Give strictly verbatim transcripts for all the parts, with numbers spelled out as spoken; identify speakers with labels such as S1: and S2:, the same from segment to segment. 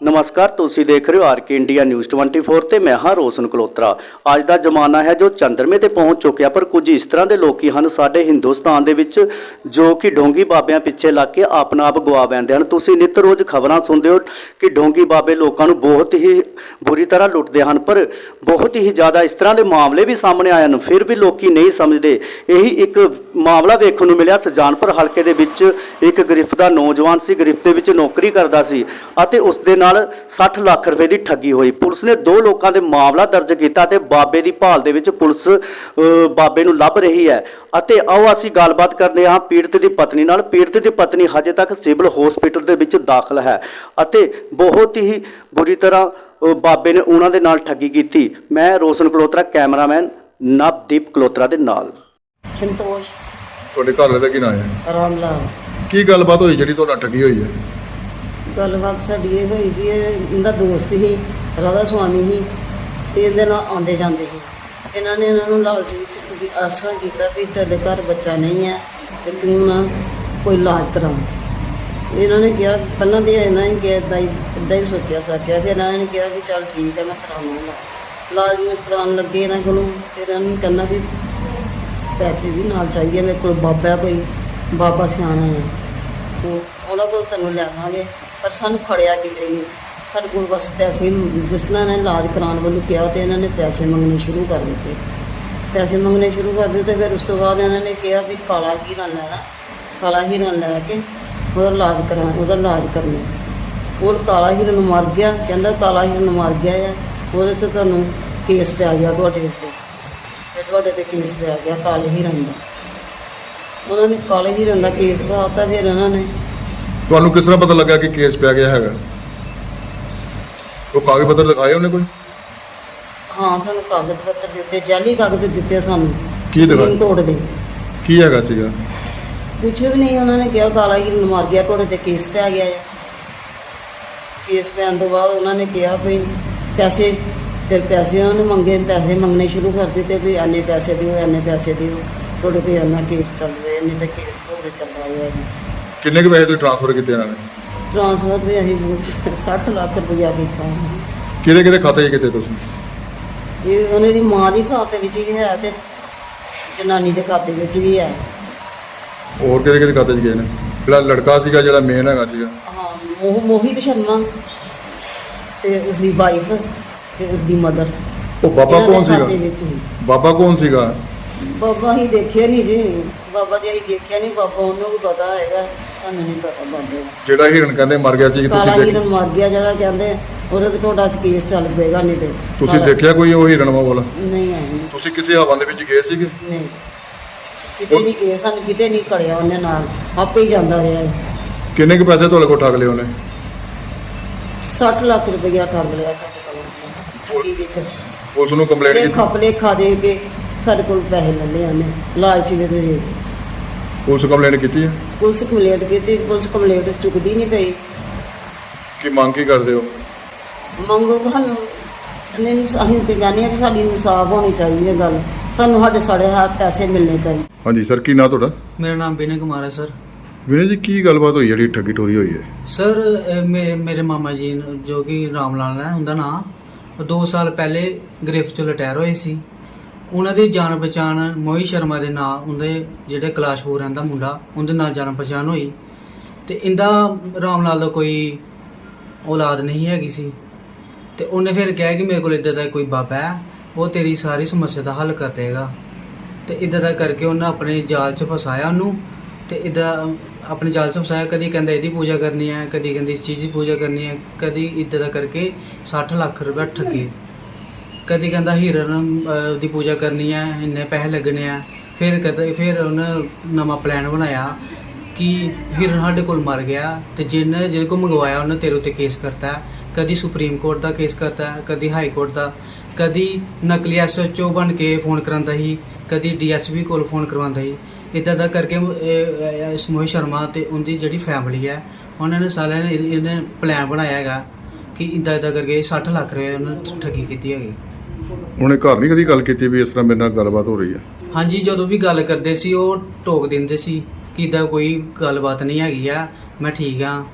S1: नमस्कार, तुसी देख रहे हो आर के इंडिया न्यूज़ चौबीस ਤੇ ਮੈਂ ਹਾਂ ਰੋਸ਼ਨ ਕਲੋਤਰਾ। ਅੱਜ ਦਾ ਜ਼ਮਾਨਾ ਹੈ ਜੋ ਚੰਦਰਮੇ ਤੇ ਪਹੁੰਚ ਚੁੱਕਿਆ, ਪਰ ਕੁਝ ਇਸ ਤਰ੍ਹਾਂ ਦੇ ਲੋਕੀ ਹਨ ਸਾਡੇ ਹਿੰਦੁਸਤਾਨ ਦੇ ਵਿੱਚ ਜੋ ਕਿ ਢੋਂਗੀ ਬਾਬਿਆਂ ਪਿੱਛੇ ਲੱਗ ਕੇ ਆਪਣਾ ਆਪ ਗਵਾ ਬੈਠਦੇ ਹਨ। ਤੁਸੀਂ ਨਿਤ ਰੋਜ਼ ਖਬਰਾਂ ਸੁਣਦੇ ਹੋ ਕਿ ਢੋਂਗੀ ਬਾਬੇ ਲੋਕਾਂ ਨੂੰ ਬਹੁਤ ਹੀ ਬੁਰੀ ਤਰ੍ਹਾਂ ਲੁੱਟਦੇ ਹਨ, ਪਰ ਬਹੁਤ ਹੀ ਜ਼ਿਆਦਾ ਇਸ ਤਰ੍ਹਾਂ ਦੇ ਮਾਮਲੇ ਵੀ ਸਾਹਮਣੇ ਆਏ ਹਨ, ਫਿਰ ਵੀ ਲੋਕੀ ਨਹੀਂ ਸਮਝਦੇ। ਇਹੀ ਇੱਕ ਮਾਮਲਾ ਵੇਖਣ ਨੂੰ ਮਿਲਿਆ ਸੁਜਾਨਪੁਰ ਹਲਕੇ ਦੇ ਵਿੱਚ। ਇੱਕ ਗ੍ਰਿਫਤ ਦਾ ਨੌਜਵਾਨ ਸੀ, ਗ੍ਰਿਫਤ ਦੇ ਵਿੱਚ ਨੌਕਰੀ ਕਰਦਾ ਸੀ ਅਤੇ ਉਸ ਦੇ ਨਾਲ ਸੱਠ ਲੱਖ ਰੁਪਏ ਦੀ ਠੱਗੀ ਹੋਈ। ਪੁਲਿਸ ਨੇ ਦੋ ਲੋਕਾਂ ਦੇ ਮਾਮਲਾ ਦਰਜ ਕੀਤਾ ਤੇ ਬਾਬੇ ਦੀ ਭਾਲ ਦੇ ਵਿੱਚ ਪੁਲਿਸ ਬਾਬੇ ਨੂੰ ਲੱਭ ਰਹੀ ਹੈ। ਅਤੇ ਆਓ ਅਸੀਂ ਗੱਲਬਾਤ ਕਰਦੇ ਹਾਂ ਪੀੜਤ ਦੀ ਪਤਨੀ ਨਾਲ। ਪੀੜਤ ਦੀ ਪਤਨੀ ਹਜੇ ਤੱਕ ਸਿਵਲ ਹਸਪੀਟਲ ਦੇ ਵਿੱਚ ਦਾਖਲ ਹੈ ਅਤੇ ਬਹੁਤ ਹੀ ਬੁਰੀ ਤਰ੍ਹਾਂ ਬਾਬੇ ਨੇ ਉਹਨਾਂ ਦੇ ਨਾਲ ਠੱਗੀ ਕੀਤੀ। ਮੈਂ ਰੋਸ਼ਨ ਕਲੋਤਰਾ, ਕੈਮਰਾਮੈਨ ਨਵਦੀਪ ਕਲੋਤਰਾ ਦੇ ਨਾਲ।
S2: ਸੰਤੋਸ਼
S3: ਤੁਹਾਡੇ ਘਰ ਵਾਲੇ ਦਾ ਕੀ ਨਾਮ ਹੈ?
S2: ਰਾਮ ਲਾਲ।
S3: ਕੀ ਗੱਲਬਾਤ ਹੋਈ ਜਿਹੜੀ ਤੁਹਾਡਾ ਠੱਗੀ ਹੋਈ ਹੈ?
S2: ਗੱਲਬਾਤ ਸਾਡੀ ਇਹ ਹੋਈ ਜੀ, ਇਹ ਇਹਦਾ ਦੋਸਤ ਸੀ, ਰਾਧਾ ਸੁਆਮੀ ਸੀ ਤੇ ਇਹਦੇ ਨਾਲ ਆਉਂਦੇ ਜਾਂਦੇ ਸੀ। ਇਹਨਾਂ ਨੇ ਇਹਨਾਂ ਨੂੰ ਲਾਲਚ ਵਿੱਚ ਵੀ ਆਸਰਾ ਕੀਤਾ ਵੀ ਤੁਹਾਡੇ ਘਰ ਬੱਚਾ ਨਹੀਂ ਹੈ ਤੇ ਤੂੰ ਨਾ ਕੋਈ ਇਲਾਜ ਕਰਾਓ। ਇਹਨਾਂ ਨੇ ਕਿਹਾ, ਪਹਿਲਾਂ ਤਾਂ ਇਹਨਾਂ ਨੇ ਕਿਹਾ ਇੱਦਾਂ ਹੀ ਇੱਦਾਂ ਹੀ ਸੋਚਿਆ ਸਾਚਿਆ, ਫਿਰ ਇਹਨਾਂ ਨੇ ਕਿਹਾ ਕਿ ਚੱਲ ਠੀਕ ਹੈ ਮੈਂ ਕਰਾਵਾਂਗਾ ਇਲਾਜ। ਨੂੰ ਕਰਾਉਣ ਲੱਗੇ ਇਹਨਾਂ ਕੋਲੋਂ, ਫਿਰ ਇਹਨਾਂ ਨੂੰ ਕਹਿੰਦਾ ਵੀ ਪੈਸੇ ਵੀ ਨਾਲ ਚਾਹੀਦੇ, ਮੇਰੇ ਕੋਲ ਬਾਬਾ ਕੋਈ ਬਾਬਾ ਸਿਆਣਾ ਹੈ, ਉਹ ਉਹਨਾਂ ਕੋਲ ਤੈਨੂੰ ਲਿਆਵਾਂਗੇ, ਪਰ ਸਾਨੂੰ ਖੜਿਆ ਕਿਤੇ ਨਹੀਂ। ਸਾਡੇ ਕੋਲ ਬਸ ਪੈਸੇ, ਜਿਸ ਤਰ੍ਹਾਂ ਇਹਨਾਂ ਨੇ ਇਲਾਜ ਕਰਾਉਣ ਵੱਲੋਂ ਕਿਹਾ ਤੇ ਇਹਨਾਂ ਨੇ ਪੈਸੇ ਮੰਗਣੇ ਸ਼ੁਰੂ ਕਰ ਦਿੱਤੇ। ਪੈਸੇ ਮੰਗਣੇ ਸ਼ੁਰੂ ਕਰ ਦਿੱਤੇ ਫਿਰ ਉਸ ਤੋਂ ਬਾਅਦ ਇਹਨਾਂ ਨੇ ਕਿਹਾ ਵੀ ਕਾਲਾ ਹੀਰਾ ਲੈਣਾ, ਕਾਲਾ ਹੀਰਾ ਲੈ ਕੇ ਉਹਦਾ ਇਲਾਜ ਕਰਾ ਉਹਦਾ ਇਲਾਜ ਕਰਨਾ। ਉਹ ਕਾਲਾ ਹੀਰਾ ਨੂੰ ਮਰ ਗਿਆ, ਕਹਿੰਦਾ ਕਾਲਾ ਹੀਰਾ ਨੂੰ ਮਰ ਗਿਆ ਆ, ਉਹਦੇ 'ਚ ਤੁਹਾਨੂੰ ਕੇਸ ਪੈ ਗਿਆ ਤੁਹਾਡੇ ਉੱਤੇ, ਅਤੇ ਤੁਹਾਡੇ 'ਤੇ ਕੇਸ ਪੈ ਗਿਆ ਕਾਲੇ ਹੀਰਨ ਦਾ। ਉਹਨਾਂ ਨੇ ਕਾਲੇ ਹੀਰਨ ਦਾ ਕੇਸ ਪਾਤਾ। ਫਿਰ ਉਹਨਾਂ ਨੇ
S3: ਤੁਹਾਨੂੰ ਕਿਸ ਤਰ੍ਹਾਂ ਪਤਾ ਲੱਗਾ ਕਿ ਕੇਸ ਪੈ ਗਿਆ ਹੈਗਾ? ਉਹ ਕਾਗਜ਼ ਪੱਤਰ ਦਿਖਾਏ ਉਹਨੇ ਕੋਈ?
S2: ਹਾਂ, ਤੁਹਾਨੂੰ ਕਾਗਜ਼ ਪੱਤਰ ਦਿੱਤੇ, ਜਾਲੀ ਕਾਗਜ਼ ਦਿੱਤੇ ਸਾਨੂੰ।
S3: ਕੀ ਦਿਖਾਏ?
S2: ਸੁਪਰੀਮ ਕੋਰਟ ਦੇ।
S3: ਕੀ ਹੈਗਾ ਸੀਗਾ?
S2: ਕੁਛ ਵੀ ਨਹੀਂ, ਉਹਨਾਂ ਨੇ ਕਿਹਾ ਕਾਲਾ ਹੀਰਨ ਮਾਰ ਗਿਆ, ਤੁਹਾਡੇ 'ਤੇ ਕੇਸ ਪੈ ਗਿਆ ਹੈ। ਕੇਸ ਪੈਣ ਤੋਂ ਬਾਅਦ ਉਹਨਾਂ ਨੇ ਕਿਹਾ ਵੀ ਪੈਸੇ, ਫਿਰ ਪੈਸੇ ਉਹਨਾਂ ਨੇ ਮੰਗੇ, ਪੈਸੇ ਮੰਗਣੇ ਸ਼ੁਰੂ ਕਰ ਦਿੱਤੇ ਵੀ ਇੰਨੇ ਪੈਸੇ ਦਿਓ, ਇੰਨੇ ਪੈਸੇ ਦਿਓ, ਤੁਹਾਡੇ 'ਤੇ ਇੰਨਾ ਕੇਸ ਚੱਲ ਰਿਹਾ, ਇੰਨੇ ਤਾਂ ਕੇਸ ਤੁਹਾਡੇ ਚੱਲਦਾ ਹੋਇਆ ਜੀ।
S3: ਕਿੰਨੇ ਕੁ ਪੈਸੇ ਤੁਸੀਂ ਟ੍ਰਾਂਸਫਰ ਕੀਤੇ ਇਹਨਾਂ ਨੇ?
S2: ਟ੍ਰਾਂਸਫਰ ਵੀ ਅਸੀਂ ਸੱਠ ਲੱਖ ਰੁਪਇਆ ਕੀਤਾ।
S3: ਕਿਹਦੇ ਕਿਹਦੇ ਖਾਤੇ 'ਚ ਕੀਤੇ ਤੁਸੀਂ?
S2: ਇਹ ਉਹਨਾਂ ਦੀ ਮਾਂ ਦੀ ਖਾਤੇ ਵਿੱਚ ਵੀ ਹੈ ਤੇ ਜਨਾਨੀ ਦੇ ਖਾਤੇ ਵਿੱਚ ਵੀ ਹੈ।
S3: ਹੋਰ ਕਿਹਦੇ ਕਿਹਦੇ ਖਾਤੇ 'ਚ ਗਏ ਨੇ? ਜਿਹੜਾ ਲੜਕਾ ਸੀਗਾ, ਜਿਹੜਾ ਮੇਨ ਹੈਗਾ ਸੀਗਾ?
S2: ਹਾਂ, ਮੋਹ ਮੋਹਿਤ ਸ਼ਰਮਾ ਤੇ ਉਸਦੀ ਵਾਈਫ ਤੇ ਉਸਦੀ ਮਦਰ।
S3: ਉਹ ਬਾਬਾ ਕੌਣ ਸੀਗਾ?
S2: ਵਿੱਚ ਹੀ
S3: ਬਾਬਾ ਕੌਣ ਸੀਗਾ?
S2: ਬਾਬਾ ਹੀ ਦੇਖਿਆ ਨਹੀਂ ਜੀ, ਬਾਬਾ ਦੀ ਅਸੀਂ ਦੇਖਿਆ ਨਹੀਂ। ਬਾਬਾ ਉਹਨੂੰ ਵੀ ਪਤਾ ਹੈਗਾ, ਸਾਨੂੰ ਨਹੀਂ ਪਤਾ ਬਾਬੇ ਦਾ।
S3: ਜਿਹੜਾ ਹਿਰਨ ਕਹਿੰਦੇ ਮਰ ਗਿਆ ਸੀ,
S2: ਕਾਲਾ
S3: ਤੁਸੀਂ
S2: ਹਿਰਨ ਮਰ ਗਿਆ ਜਿਹੜਾ ਕਹਿੰਦੇ, ਉਹਦੇ ਤੇ ਤੁਹਾਡਾ ਕੇਸ ਚੱਲ ਪਏਗਾ। ਨਹੀਂ ਤੇ
S3: ਤੁਸੀਂ ਦੇਖਿਆ ਕੋਈ ਉਹ ਹਿਰਨ ਵਾਲਾ?
S2: ਨਹੀਂ ਆਈ।
S3: ਤੁਸੀਂ ਕਿਸੇ ਹਵਾ ਦੇ ਵਿੱਚ ਗਏ ਸੀਗੇ?
S2: ਨਹੀਂ, ਕਿਤੇ ਨਹੀਂ ਗਏ, ਸਾਨੂੰ ਕਿਤੇ ਨਹੀਂ ਕੜਿਆ ਉਹਨੇ, ਨਾਲ ਆਪੇ ਹੀ ਜਾਂਦਾ ਰਿਹਾ।
S3: ਕਿੰਨੇ ਕੁ ਪੈਸੇ ਤੁਹਾਡੇ ਕੋਲ ਠੱਗ ਲਏ ਉਹਨੇ?
S2: ਸੱਠ ਲੱਖ ਰੁਪਇਆ ਠੱਗ ਲਿਆ ਸਾਡੇ ਕੋਲੋਂ ਠੱਗੀ ਵਿੱਚ।
S3: ਪੁਲਿਸ ਨੂੰ ਕੰਪਲੇਂਟ
S2: ਤੇ
S3: ਕੀਤੀ?
S2: ਖਪਲੇ ਖਾ ਦੇ ਕੇ ਸਾਡੇ ਕੋਲ ਪੈਸੇ ਲੈ ਲਏ ਉਹਨੇ ਲਾਲਚ ਵਿੱਚ ਦੇ।
S3: ਪੁਲਿਸ ਕੰਪਲੇਂਟ ਕੀਤੀ ਹੈ?
S2: ਪੁਲਿਸ ਕੰਪਲੇਂਟ ਕੀਤੀ, ਪੁਲਿਸ ਕੰਪਲੇਂਟ ਚੁੱਕਦੀ ਨਹੀਂ ਪਈ।
S3: ਕੀ ਮੰਗ ਕੀ ਕਰਦੇ ਹੋ?
S2: ਮੰਗੋ ਤੁਹਾਨੂੰ ਨਹੀਂ, ਅਸੀਂ ਤੇ ਕਹਿੰਦੇ ਹਾਂ ਕਿ ਸਾਡੀ ਇਨਸਾਫ ਹੋਣੀ ਚਾਹੀਦੀ ਹੈ। ਗੱਲ ਸਾਨੂੰ ਸਾਡੇ ਸਾਡੇ ਹੱਥ ਪੈਸੇ ਮਿਲਣੇ ਚਾਹੀਦੇ।
S3: ਹਾਂਜੀ ਸਰ, ਕੀ ਨਾਂ ਤੁਹਾਡਾ?
S4: ਮੇਰਾ ਨਾਮ ਵਿਨੇ ਕੁਮਾਰ ਹੈ ਸਰ।
S3: ਵਿਨੇ ਜੀ, ਕੀ ਗੱਲਬਾਤ ਹੋਈ ਜਿਹੜੀ ਠੱਗੀ ਟੋਰੀ ਹੋਈ ਹੈ?
S4: ਸਰ ਇਹ ਮੇ- ਮੇਰੇ ਮਾਮਾ ਜੀ ਨੂੰ, ਜੋ ਕਿ ਰਾਮ ਲਾਲ ਹੈ ਉਹਦਾ ਨਾਂ, ਉਹ ਦੋ ਸਾਲ ਪਹਿਲੇ ਗ੍ਰਿਫਤ 'ਚੋਂ ਰਿਟਾਇਰ ਹੋਏ ਸੀ। ਉਹਨਾਂ ਦੀ ਜਾਣ ਪਛਾਣ ਮੋਹਿਤ ਸ਼ਰਮਾ ਦੇ ਨਾਂ, ਉਹਦੇ ਜਿਹੜੇ ਕਲਾਸ਼ਪੁਰ ਰਹਿੰਦਾ ਮੁੰਡਾ, ਉਹਦੇ ਨਾਲ ਜਾਣ ਪਛਾਣ ਹੋਈ। ਤੇ ਇਹਦਾ ਰਾਮ ਲਾਲ ਦਾ ਕੋਈ ਔਲਾਦ ਨਹੀਂ ਹੈਗੀ ਸੀ। ਤੇ ਉਹਨੇ ਫਿਰ ਕਿਹਾ ਕਿ ਮੇਰੇ ਕੋਲ ਇੱਦਾਂ ਦਾ ਕੋਈ ਬਾਬਾ ਹੈ, ਉਹ ਤੇਰੀ ਸਾਰੀ ਸਮੱਸਿਆ ਦਾ ਹੱਲ ਕਰ ਦੇਗਾ। ਤੇ ਇੱਦਾਂ ਦਾ ਕਰਕੇ ਉਹਨੇ ਆਪਣੇ ਜਾਲ 'ਚ ਫਸਾਇਆ ਉਹਨੂੰ। ਤੇ ਇੱਦਾਂ ਆਪਣੇ ਜਾਲ 'ਚ ਫਸਾਇਆ, ਕਦੀ ਕਹਿੰਦਾ ਇਹਦੀ ਪੂਜਾ ਕਰਨੀ ਹੈ, ਕਦੀ ਕਹਿੰਦੀ ਇਸ ਚੀਜ਼ ਦੀ ਪੂਜਾ ਕਰਨੀ ਹੈ, ਕਦੀ ਇੱਦਾਂ ਦਾ ਕਰਕੇ ਸੱਠ ਲੱਖ ਰੁਪਏ ਠੱਗੇ। ਕਦੀ ਕਹਿੰਦਾ ਹੀਰਨ ਦੀ ਪੂਜਾ ਕਰਨੀ ਹੈ, ਇੰਨੇ ਪੈਸੇ ਲੱਗਣੇ ਆ। ਫਿਰ ਕਦੇ ਫਿਰ ਉਹਨੇ ਨਵਾਂ ਪਲਾਨ ਬਣਾਇਆ ਕਿ ਹੀਰਨ ਸਾਡੇ ਕੋਲ ਮਰ ਗਿਆ ਤੇ ਜਿਹਨੇ ਜਿਹਦੇ ਕੋਲ ਮੰਗਵਾਇਆ ਉਹਨੇ ਤੇਰੇ ਉੱਤੇ ਕੇਸ ਕਰਤਾ। ਕਦੀ ਸੁਪਰੀਮ ਕੋਰਟ ਦਾ ਕੇਸ ਕਰਤਾ, ਕਦੀ ਹਾਈ ਕੋਰਟ ਦਾ, ਕਦੀ ਨਕਲੀ ਐਸ ਐਚ ਓ ਬਣ ਕੇ ਫੋਨ ਕਰਾਉਂਦਾ ਸੀ, ਕਦੀ ਡੀ ਐਸ ਪੀ ਕੋਲ ਫੋਨ ਕਰਵਾਉਂਦਾ ਸੀ। ਇੱਦਾਂ ਦਾ ਕਰਕੇ ਇਸ ਮੋਹਿਤ ਸ਼ਰਮਾ ਅਤੇ ਉਹਦੀ ਜਿਹੜੀ ਫੈਮਿਲੀ ਹੈ, ਉਹਨਾਂ ਨੇ ਸਾਰਿਆਂ ਨੇ ਇਹਨੇ ਪਲਾਨ ਬਣਾਇਆ ਹੈਗਾ ਕਿ ਇੱਦਾਂ ਇੱਦਾਂ ਕਰਕੇ ਸੱਠ ਲੱਖ ਰੁਪਏ ਉਹਨੇ ਠੱਗੀ ਕੀਤੀ ਹੈਗੀ।
S3: ਉਹਨੇ ਘਰ ਨਹੀਂ ਕਦੀ ਗੱਲ ਕੀਤੀ ਵੀ ਇਸ ਤਰ੍ਹਾਂ ਮੇਰੇ ਨਾਲ ਗੱਲਬਾਤ ਹੋ ਰਹੀ ਹੈ?
S4: ਹਾਂਜੀ, ਜਦੋਂ ਵੀ ਗੱਲ ਕਰਦੇ ਸੀ ਉਹ ਟੋਕ ਦਿੰਦੇ ਸੀ ਕਿ ਇੱਦਾਂ ਕੋਈ ਗੱਲਬਾਤ ਨਹੀਂ ਹੈਗੀ ਆ, ਮੈਂ ਠੀਕ ਹਾਂ।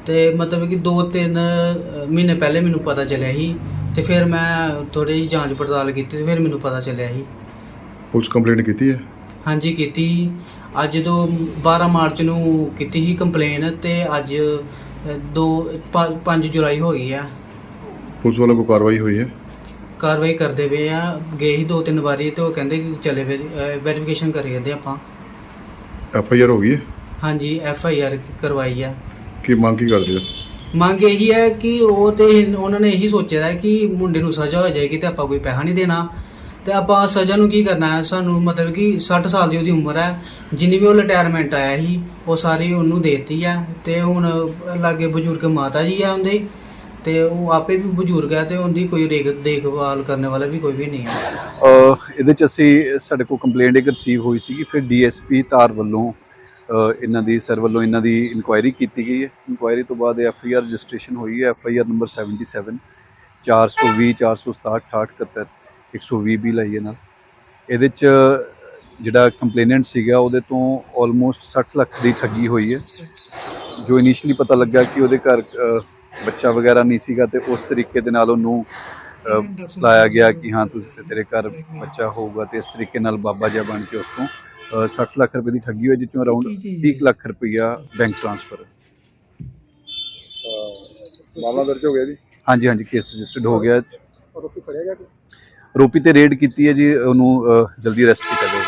S4: ਤੇ ਮਤਲਬ ਕਿ ਦੋ ਤਿੰਨ ਮਹੀਨੇ ਪਹਿਲੇ ਮੈਨੂੰ ਪਤਾ ਚੱਲਿਆ ਸੀ ਤੇ ਫਿਰ ਮੈਂ ਥੋੜੀ ਜਿਹੀ ਜਾਂਚ ਪੜਤਾਲ ਕੀਤੀ ਤੇ ਫਿਰ ਮੈਨੂੰ ਪਤਾ ਚੱਲਿਆ ਸੀ।
S3: ਪੁਲਿਸ ਕੰਪਲੇਂਟ ਕੀਤੀ ਹੈ?
S4: ਹਾਂਜੀ ਕੀਤੀ। ਅੱਜ ਤੋਂ ਬਾਰਾਂ ਮਾਰਚ ਨੂੰ ਕੀਤੀ ਸੀ ਕੰਪਲੇਨ ਤੇ ਅੱਜ ਦੋ ਪੰਜ ਜੁਲਾਈ ਹੋ ਗਈ ਆ।
S3: ਪੁਲਿਸ ਵੱਲੋਂ ਕੋਈ ਕਾਰਵਾਈ ਹੋਈ ਹੈ?
S4: ਕਾਰਵਾਈ ਕਰਦੇ ਪਏ ਆ, ਗਏ ਸੀ ਦੋ ਤਿੰਨ ਵਾਰੀ ਤੇ ਉਹ ਕਹਿੰਦੇ ਕਿ ਚਲੇ ਵੈਰੀਫਿਕੇਸ਼ਨ ਕਰੀ ਜਾਂਦੇ ਆਪਾਂ।
S3: ਐਫ ਆਈ ਆਰ ਹੋ ਗਈ ਹੈ?
S4: ਹਾਂਜੀ ਐਫ ਆਈ ਆਰ ਕਰਵਾਈ ਆ।
S3: ਕੀ ਮੰਗ ਕੀ ਕਰਦੇ ਹੋ?
S4: ਮੰਗ ਇਹੀ ਹੈ ਕਿ ਉਹ ਤੇ ਉਹਨਾਂ ਨੇ ਇਹੀ ਸੋਚਿਆ ਹੈ ਕਿ ਮੁੰਡੇ ਨੂੰ ਸਜ਼ਾ ਹੋ ਜਾਏਗੀ ਤੇ ਆਪਾਂ ਕੋਈ ਪੈਸਾ ਨਹੀਂ ਦੇਣਾ ਤੇ ਆਪਾਂ ਸਜ਼ਾ ਨੂੰ ਕੀ ਕਰਨਾ ਹੈ। ਸਾਨੂੰ ਮਤਲਬ ਕਿ ਸੱਠ ਸਾਲ ਦੀ ਉਹਦੀ ਉਮਰ ਹੈ, ਜਿੰਨੀ ਵੀ ਉਹ ਰਿਟਾਇਰਮੈਂਟ ਆਇਆ ਸੀ ਉਹ ਸਾਰੀ ਉਹਨੂੰ ਦੇਤੀ ਆ ਤੇ ਹੁਣ ਲਾਗੇ ਬਜ਼ੁਰਗ ਮਾਤਾ ਜੀ ਆ ਉਹਦੇ ਤੇ ਉਹ ਆਪੇ ਵੀ ਬਜ਼ੁਰਗ ਹੈ ਤੇ ਉਹਦੀ ਕੋਈ ਦੇਖ ਦੇਖਭਾਲ ਕਰਨ ਵਾਲਾ ਵੀ ਕੋਈ ਵੀ ਨਹੀਂ ਹੈ।
S5: ਅ, ਇਹਦੇ ਚ ਅਸੀਂ ਸਾਡੇ ਕੋਲ ਕੰਪਲੇਂਟ ਇੱਕ ਰਿਸੀਵ ਹੋਈ ਸੀਗੀ, ਫਿਰ ਡੀ ਐਸ ਪੀ ਧਾਰ ਵੱਲੋਂ ਅ, ਇਹਨਾਂ ਦੀ ਸਰ ਵੱਲੋਂ ਇਹਨਾਂ ਦੀ ਇਨਕੁਆਇਰੀ ਕੀਤੀ ਗਈ ਹੈ। ਇਨਕੁਆਇਰੀ ਤੋਂ ਬਾਅਦ ਐਫ ਆਈ ਆਰ ਰਜਿਸਟ੍ਰੇਸ਼ਨ ਹੋਈ ਹੈ, F I R number seventy seven ਚਾਰ ਸੌ ਵੀਹ ਚਾਰ ਸੌ ਸਤਾਹਠ ਅਠਾਹਠ ਇਕਹੱਤਰ ਇੱਕ ਸੌ ਵੀਹ ਵੀ ਲਾਈ ਹੈ ਨਾਲ। ਇਹਦੇ ਚ ਜਿਹੜਾ ਕੰਪਲੇਨੈਂਟ ਸੀਗਾ ਉਹਦੇ ਤੋਂ ਆਲਮੋਸਟ ਸੱਠ ਲੱਖ ਦੀ ਠੱਗੀ ਹੋਈ ਹੈ। ਜੋ ਇਨੀਸ਼ੀਅਲੀ ਪਤਾ ਲੱਗਾ ਕਿ ਉਹਦੇ ਘਰ ਅ, ਬੱਚਾ ਵਗੈਰਾ ਨਹੀਂ ਸੀਗਾ ਤੇ ਉਸ ਤਰੀਕੇ ਦੇ ਨਾਲ ਉਹਨੂੰ ਸਲਾਇਆ ਗਿਆ ਕਿ ਹਾਂ ਤੁਸੀਂ ਤੇਰੇ ਘਰ ਬੱਚਾ ਹੋਊਗਾ ਤੇ ਇਸ ਤਰੀਕੇ ਨਾਲ ਬਾਬਾ ਜਿਹਾ ਬਣ ਕੇ ਉਸ ਤੋਂ ਅ, ਸੱਠ ਲੱਖ ਰੁਪਏ ਦੀ ਠੱਗੀ ਹੋਈ, ਜਿਸ ਚੋਂ ਅਰਾਊਂਡ ਤੀਹ ਕੁ ਲੱਖ ਰੁਪਈਆ ਬੈਂਕ ਟ੍ਰਾਂਸਫਰ।
S3: ਮਾਮਲਾ ਦਰਜ ਹੋ ਗਿਆ ਜੀ?
S5: ਹਾਂਜੀ ਹਾਂਜੀ ਕੇਸ ਰਜਿਸਟਰਡ ਹੋ ਗਿਆ। ਆਰੋਪੀ ਤੇ ਰੇਡ ਕੀਤੀ ਹੈ ਜੀ, ਉਹਨੂੰ ਅ, ਜਲਦੀ ਅਰੈਸਟ ਕੀਤਾ ਜਾਏਗਾ।